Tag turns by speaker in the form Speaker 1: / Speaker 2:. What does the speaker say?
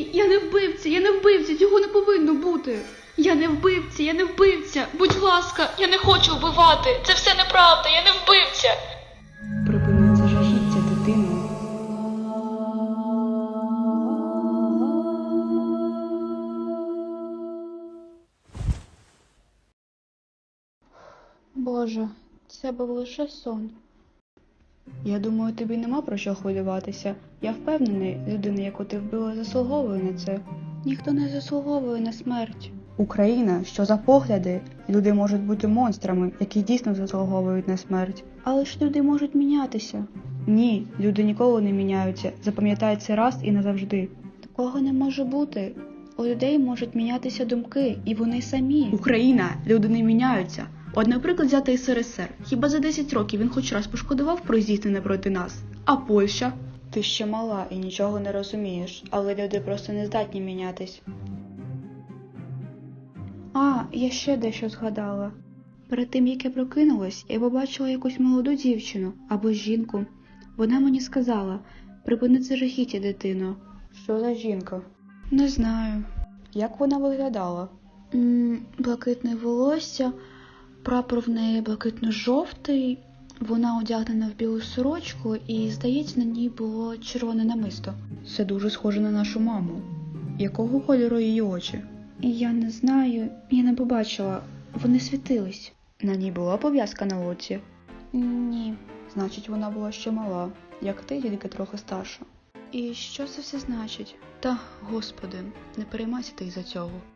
Speaker 1: Ні, я не вбивця, цього не повинно бути. Я не вбивця. Будь ласка, я не хочу вбивати. Це все неправда, я не вбивця.
Speaker 2: Припини це жахіття, дитино.
Speaker 1: Боже, це був лише сон.
Speaker 2: Я думаю, тобі нема про що хвилюватися. Я впевнений, людина, яку ти вбила, заслуговує на це.
Speaker 1: Ніхто не заслуговує на смерть.
Speaker 2: Україна, що за погляди? Люди можуть бути монстрами, які дійсно заслуговують на смерть.
Speaker 1: Але ж люди можуть мінятися.
Speaker 2: Ні, люди ніколи не міняються. Запам'ятай це раз і назавжди.
Speaker 1: Такого не може бути. У людей можуть мінятися думки, і вони самі.
Speaker 2: Україна, люди не міняються. От, наприклад, взяти СРСР. Хіба за 10 років він хоч раз пошкодував про здійснене проти нас? А Польща? Ти ще мала і нічого не розумієш, але люди просто не здатні мінятись.
Speaker 1: А, я ще дещо згадала. Перед тим, як я прокинулась, я побачила якусь молоду дівчину або жінку. Вона мені сказала: припини це жахіття, дитино.
Speaker 2: Що за жінка?
Speaker 1: Не знаю.
Speaker 2: Як вона виглядала?
Speaker 1: Блакитне волосся, прапор в неї блакитно-жовтий, вона одягнена в білу сорочку і, здається, на ній було червоне намисто.
Speaker 2: Це дуже схоже на нашу маму. Якого кольору її очі?
Speaker 1: Я не знаю, я не побачила, вони світились.
Speaker 2: На ній була пов'язка на оці?
Speaker 1: Ні.
Speaker 2: Значить, вона була ще мала, як ти, тільки трохи старша.
Speaker 1: І що це все значить? Та, Господи, не переймайся ти із-за цього.